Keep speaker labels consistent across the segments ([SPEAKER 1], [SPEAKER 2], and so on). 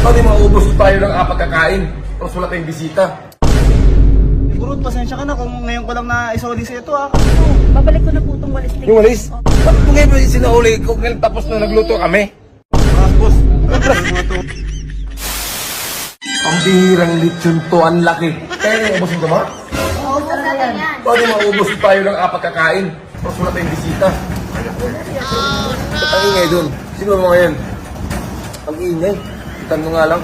[SPEAKER 1] Pwede maubos tayo ng pagkakain. Tapos wala tayong bisita.
[SPEAKER 2] Burot, pasensya ka na kung ngayon ko lang na isoli sa ito ah.
[SPEAKER 3] Babalik ko na po itong walis.
[SPEAKER 1] Yung walis? Ba't mo ngayon ba sinauli ko ngayon tapos na nagluto kami?
[SPEAKER 2] Boss.
[SPEAKER 1] Ang bihirang lechon to, ang laki. Kaya na ubusin ko ma?
[SPEAKER 3] Oo, talaga yan.
[SPEAKER 1] Pwede maubos tayo ng pagkakain. Tapos wala tayong bisita. Ba't ang ingay dun? Sino mo ngayon? Ang ingay. Itan mo nga lang.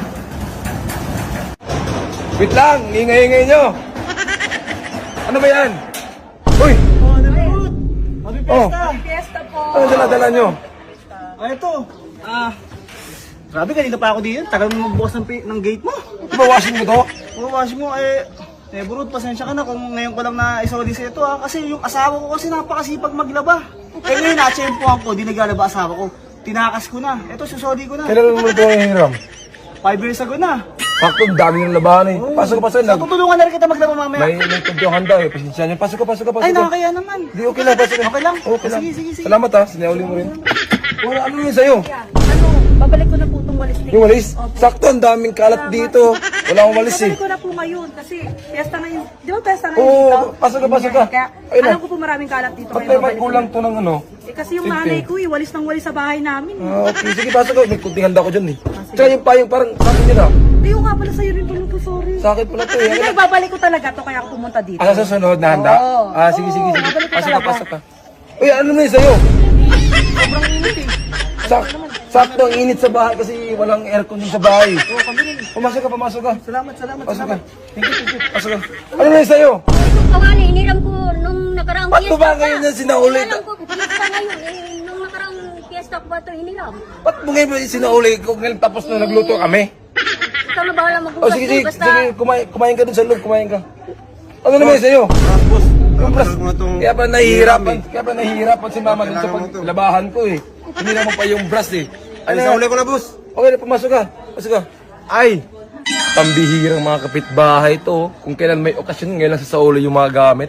[SPEAKER 1] Wait lang, ingay-ingay nyo. Ano ba yan? Uy!
[SPEAKER 2] Oh, ano burot? Happy
[SPEAKER 1] Oh.
[SPEAKER 2] Fiesta!
[SPEAKER 3] Fiesta po.
[SPEAKER 1] Ano dala-dala nyo?
[SPEAKER 2] Ito. Grabe, kanina pa ako dito. Tagal mo magbukas ng gate mo.
[SPEAKER 1] Di ba washing mo to?
[SPEAKER 2] Bukas mo burot, pasensya ka na kung ngayon ko lang na isoli sa ito ah. Kasi yung asawa ko kasi napakasipag maglaba. Ngayon, natsempuhan ko, di naglalaba asawa ko. Tinakas ko na. Ito, susoli ko na.
[SPEAKER 1] Kailan mo ito hiram?
[SPEAKER 2] 5 years ago na.
[SPEAKER 1] Sakto, dami ng labahan eh. Pasok ka.
[SPEAKER 2] So, tutulungan na rin kita maglaba mamaya.
[SPEAKER 1] May tudyohan daw eh. Pasensya niyo. Pasok ka.
[SPEAKER 2] Ay, nakakaya naman.
[SPEAKER 1] Di, okay lang. Pasok ka.
[SPEAKER 2] Okay lang?
[SPEAKER 1] Okay lang.
[SPEAKER 2] Sige.
[SPEAKER 1] Salamat ha. Sinauli mo rin. Wala, ano yun sa'yo?
[SPEAKER 3] Ano, babalik ko na po itong walis.
[SPEAKER 1] Yung walis? Sakto, ang daming kalat dito. Wala akong walis eh.
[SPEAKER 3] Babalik ko na po ngayon kasi fiesta na yun. Di ba fiesta na yun
[SPEAKER 1] Oo,
[SPEAKER 3] dito?
[SPEAKER 1] pasok ka.
[SPEAKER 3] Kaya
[SPEAKER 1] Ayun na.
[SPEAKER 3] alam ko po maraming kalat dito.
[SPEAKER 1] Ba't
[SPEAKER 3] kaya
[SPEAKER 1] may
[SPEAKER 3] babalik ko
[SPEAKER 1] kulang
[SPEAKER 3] na.
[SPEAKER 1] to ng ano?
[SPEAKER 3] Kasi yung
[SPEAKER 1] Sipin.
[SPEAKER 3] nanay ko walis ng walis sa bahay namin.
[SPEAKER 1] Okay, sige, pasok ka. May kunting handa ko dyan eh. Tsaka yung payong parang sa akin yun ah.
[SPEAKER 3] Ayaw nga pala sa'yo rin pala to, sorry.
[SPEAKER 1] Sa akin pala to eh.
[SPEAKER 3] Hindi, babalik ko talaga to kaya ako pumunta dito.
[SPEAKER 1] Sa susunod na handa?
[SPEAKER 3] Oo.
[SPEAKER 1] Sige.
[SPEAKER 3] Oo, babalik ko talaga.
[SPEAKER 1] Pasok ka. Uy, ano na yun sa'yo?
[SPEAKER 3] Sobrang init eh.
[SPEAKER 1] Sakto, ang init sa bahay kasi walang aircon din sa bahay.
[SPEAKER 2] Oo, kami rin.
[SPEAKER 1] Pumasok ka.
[SPEAKER 2] Salamat.
[SPEAKER 1] Pasok ka. Thank you. Pasok ka. Ano na yun sa'yo?
[SPEAKER 4] Itong kawali, iniram ko nung nakaraang
[SPEAKER 1] Ba't mo ba ngayon yan sinauli?
[SPEAKER 4] Alam ko, fiesta ngayon. Nung nakaraang fiesta ko ba ito iniram?
[SPEAKER 1] Ba't mo ngayon ba sinauli ko ngayon tapos na nagluto kami?
[SPEAKER 4] Ikaw na bahala
[SPEAKER 1] O
[SPEAKER 4] magbukas.
[SPEAKER 1] sige,
[SPEAKER 4] Basta,
[SPEAKER 1] kumain ka dun sa loob, kumain ka. Ano naman yun sa'yo?
[SPEAKER 2] Boss.
[SPEAKER 1] Kaya pa nahihirapan si mama dun sa paglabahan ko eh. Hindi naman pa yung brush eh. Ano
[SPEAKER 2] Isauli ko na, boss.
[SPEAKER 1] Okay, pumasok ka. Ay! Pambihirang mga kapitbahay to. Kung kailan may okasyon, ngayon lang sa Saulo yung mga gamit.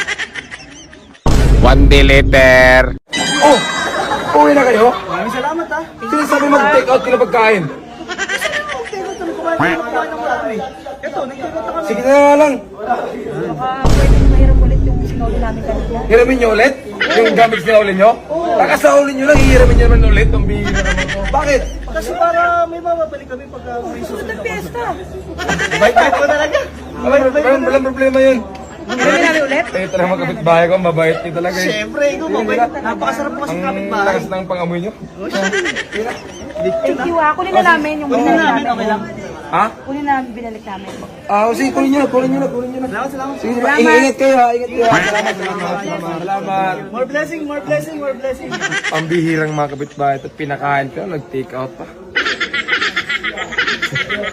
[SPEAKER 1] One day later. Oh! Uwi na kayo?
[SPEAKER 2] Maraming salamat ah.
[SPEAKER 1] Sino sabi mag-take out ka na pagkain?
[SPEAKER 2] Ito, nag-take out na kami.
[SPEAKER 1] Sige na nga lang.
[SPEAKER 3] Baka pwedeng mahirap ulit yung sinoli namin kanina.
[SPEAKER 1] Hiramin nyo ulit? Yung gamit na ulit nyo? Kakasaulin nyo lang, hihiramin nyo naman ulit. Ang bihira naman to. Bakit?
[SPEAKER 2] Kasi para may mababalik kami pagka may susunod na
[SPEAKER 3] Fiesta!
[SPEAKER 2] Bait ko talaga.
[SPEAKER 1] Walang problema yun.
[SPEAKER 3] Hiramin namin ulit?
[SPEAKER 1] Kayo talaga mga kapitbahay ko, mabait nyo talaga eh.
[SPEAKER 2] Siyempre, ikaw mabait. Napakasarap mo kasi
[SPEAKER 1] Ang
[SPEAKER 2] kapitbahay.
[SPEAKER 1] lakas ng pangamoy nyo.
[SPEAKER 3] Thank you ah. Kunin na namin yung binalik
[SPEAKER 2] namin,
[SPEAKER 3] namin.
[SPEAKER 2] okay lang.
[SPEAKER 1] Ha?
[SPEAKER 3] Kunin na binalik namin.
[SPEAKER 1] Sige, kunin nyo na.
[SPEAKER 2] Salamat.
[SPEAKER 1] Sige, ingat kayo ha, ingat kayo. Salamat.
[SPEAKER 2] More blessing.
[SPEAKER 1] Ang bihirang mga kapitbahay at pinakain ko, nag-take out pa.